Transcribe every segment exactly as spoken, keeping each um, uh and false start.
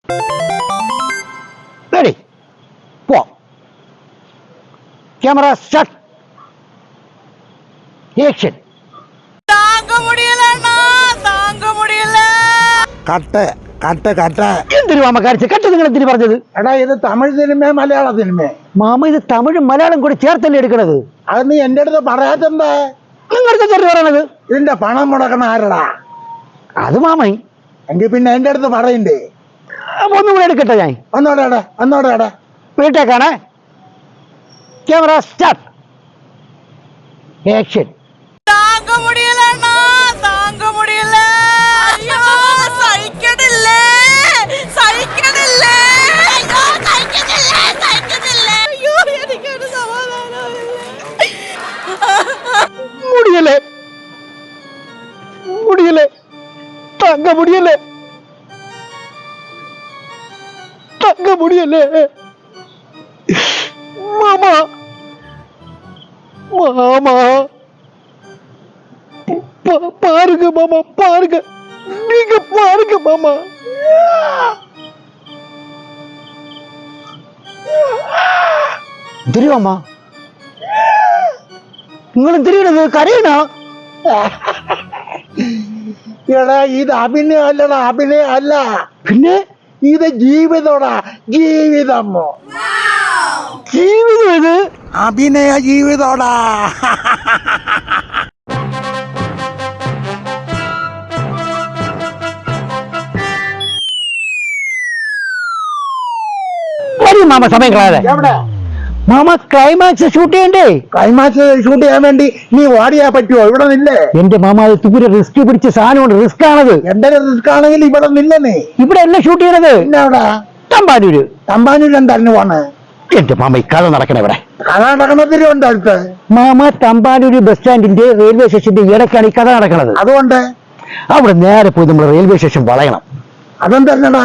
Ready പോ camera start action தாங்க முடியலண்ணா தாங்க முடியல കട്ട് കട്ട് കട്ട് എന്തിനു മാമ കാണിച്ച് കട്ട് നിങ്ങൾ എന്തിനു പറഞ്ഞത്? എടാ ഇത് തമിഴ് സിനിമ മലയാള സിനിമ മാമ ഇത് തമിഴും മലയാളം കൂടി ചേർത്തല്ലേ എടുക്കണത്. അത് നീ എന്റെ അടുത്ത് പറയാത്തെന്താ? നിങ്ങളുടെ ചെറിയ പറയണത് ഇതിന്റെ പണം മുടക്കണ ആരടാ? അത് മാമൈ എങ്കിൽ പിന്നെ എന്റെ അടുത്ത് പറയണ്ടേ? ഒന്നും കൂടെ എടുക്കട്ടെ ഞാൻ. ഒന്നോടെ ഒന്നോടെ വീട്ടേക്കാണ് ക്യാമറ സ്റ്റാർട്ട് ആക്ഷൻ தாங்க முடியலண்ணா தாங்க முடியல ஐயோ സഹിക്കണില്ല സഹിക്കണില്ല അയ്യോ സഹിക്കണില്ല സഹിക്കണില്ല അയ്യോ എനിക്കൊരു സമാധാനമില്ല. முடியல முடியல தாங்க முடியல தாங்க முடியல மாமா மாமா பா- பாருங்க மாமா பாருங்க நீங்க பாருங்க மாமா தெரியுமா നിങ്ങളും തിരിയണത് കരയണോ? എടാ ഇത് അഭിനയം അല്ലടാ, അഭിനയം അല്ല, പിന്നെ ഇത് ജീവിതോടാ, ജീവിതം. ജീവിതം ഇത് അഭിനയ ജീവിതോടാ. വരും മാമ സമയം കളയാതെ. എവിടെ മാമ ക്ലൈമാക്സ് ഷൂട്ട് ചെയ്യണ്ടേ? ക്ലൈമാക്സ് ഷൂട്ട് ചെയ്യാൻ വേണ്ടി നീ ഓടിയാ പറ്റുമോ? ഇവിടെ നില്ലേ? എന്റെ മാമ അത് തുപുര റിസ്ക് പിടിച്ച സാധനമുണ്ട്, റിസ്ക് ആണത്. എന്റെ റിസ്ക് ആണെങ്കിൽ ഇവിടെ നില്ലേ? ഇവിടെ എല്ലാം ഷൂട്ട് ചെയ്യണത് പിന്നെ അവിടെ തമ്പാനൂര്. തമ്പാനൂർ എന്തായിരുന്നു പോണ്? എന്റെ മാമ ഈ കഥ നടക്കണ ഇവിടെ. കഥ നടക്കണത്തിലുണ്ട് അടുത്ത്. മാമ തമ്പാനൂര് ബസ് സ്റ്റാൻഡിന്റെ റെയിൽവേ സ്റ്റേഷന്റെ ഇടയ്ക്കാണ് ഈ കഥ നടക്കുന്നത്. അതുകൊണ്ട് അവിടെ നേരെ പോയി നമ്മൾ റെയിൽവേ സ്റ്റേഷൻ വളയണം. അതെന്തല്ലടാ?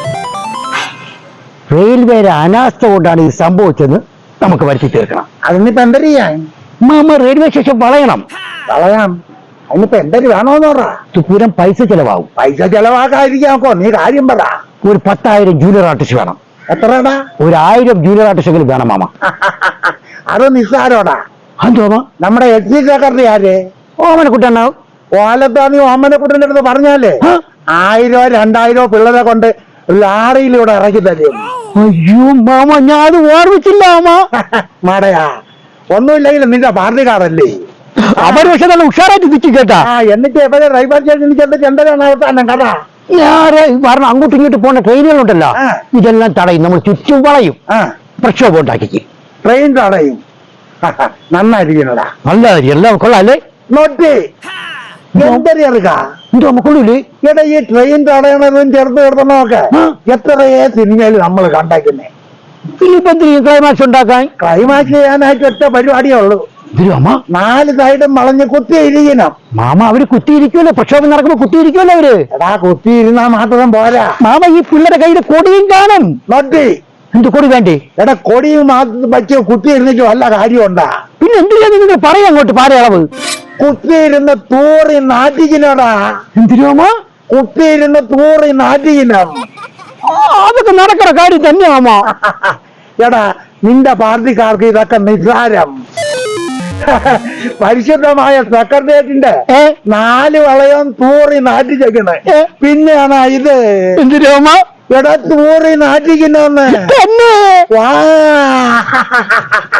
റെയിൽവേയുടെ അനാസ്ഥ കൊണ്ടാണ് ഇത് സംഭവിച്ചെന്ന് നമുക്ക് വരുത്തി തീർക്കണം. അതിനിപ്പോ എന്തൊരു ചെയ്യാൻ? മാമ റെയിൽവേ സ്റ്റേഷൻ വളയണം. കളയാം. അതിനിപ്പോ എന്തൊരു വേണോന്ന് പറ. തുപൂരം പൈസ ചെലവാകും. പൈസ ചെലവാക്കാതിരിക്കാക്കോ, നീ കാര്യം പറ. ഒരു പത്തായിരം ജൂനിയർ ആർട്ടിസ്റ്റ് വേണം. എത്രടാ? ഒരു ആയിരം ജൂനിയർ ആർട്ടിസ്റ്റെങ്കിലും വേണം മാമ. അത് നിസ്സാരോടാ. അതോ നമ്മുടെ എസ് സി സെക്രട്ടറി ആര്? ഓമനക്കുട്ടുണ്ടാവും. ഓലത്താ നീ ഓമനക്കുട്ടന്റെ അടുത്ത് പറഞ്ഞാലേ ആയിരോ രണ്ടായിരോ പിള്ളേരെ കൊണ്ട് ലാറിയിലൂടെ ഇറക്കി തരും. അയ്യോ മാമ ഞാൻ അത് ഓർമ്മിച്ചില്ല മാമ. മാടയാ, ഒന്നുമില്ലെങ്കിലും നിന്റെ പാർട്ടിക്കാരല്ലേ? അവര് പക്ഷെ നല്ല ഉഷാറായിട്ട് തിരിച്ചു കേട്ടാ. ആ എന്നിട്ട് എവിടെ ഡ്രൈവർ സ്റ്റേഷനിൽ ചെന്നിട്ട് എന്താണ് അവസാനം കഥ? ഞാൻ കാരണം അങ്ങോട്ടും ഇങ്ങോട്ട് പോകുന്ന ട്രെയിനുകളുണ്ടല്ലോ, ആ. ഇതെല്ലാം തടയും, നമ്മൾ ചുറ്റും വളയും, ആ പ്രക്ഷോഭം ഉണ്ടാക്കി. ട്രെയിൻ തടയും. നന്നായിരിക്കണടാ. നല്ല എല്ലാം കൊള്ളാല്ലേ? നോട്ടി എന്തൊരുക്ക എന്തോ നമുക്കുള്ളില്ലേ? എടാ ഈ ട്രെയിൻ തടയണതും ചെറുത്ത് കിടത്തണമൊക്കെ ആ. എത്രയേ സിനിമയിൽ നമ്മൾ കണ്ടേക്കുന്നേ. ഇനിയിപ്പോ എന്തിനും ക്ലൈമാക്സ് ഉണ്ടാക്കാൻ? ക്ലൈമാക്സ് ചെയ്യാനായിട്ട് ഒറ്റ പരിപാടിയേ ഉള്ളൂ. മാമ നാല് സൈഡും വളഞ്ഞ് കുത്തിയിരിക്കണം. മാമ അവര് കുത്തിയിരിക്കുമല്ലോ, പ്രക്ഷോഭം നടക്കുമ്പോ കുത്തിയിരിക്കുമല്ലോ അവര്. എടാ കുത്തിയിരുന്നാ മാത്രം പോരാ, മാമ ഈ പിള്ളേരുടെ കയ്യിൽ കൊടിയും കാണും. നോട്ടി എന്ത് കൊടി വേണ്ടേ? എടാ കൊടിയും മാത്രം വച്ച് കുത്തിയിരുന്നിട്ട് വല്ല കാര്യമുണ്ടാ? പിന്നെ എന്തിനാ നിങ്ങൾ പറയാം അങ്ങോട്ട് പാരയളവ്? കുത്തിയിരുന്ന് തൂറി നാട്ടിക്കിനോടാ. എന്തിനു മാമ? കുത്തിയിരുന്ന് തൂറി നാട്ടിക്കിനം. അതൊക്കെ നടക്കണ കാര്യം തന്നെ മാമ. എടാ നിന്റെ പാർട്ടിക്കാർക്ക് ഇതൊക്കെ നിസ്സാരം. പരിശുദ്ധമായ സെക്രട്ടേറിയറ്റിന്റെ ഏ നാല് വളയം തൂറി നാട്ടിച്ചേക്കണേ. പിന്നെയാണ് ഇത് എന്തിനു മാമ? എടാ തൂറി നാട്ടിക്കുന്നെന്ന്. തന്നെ വാ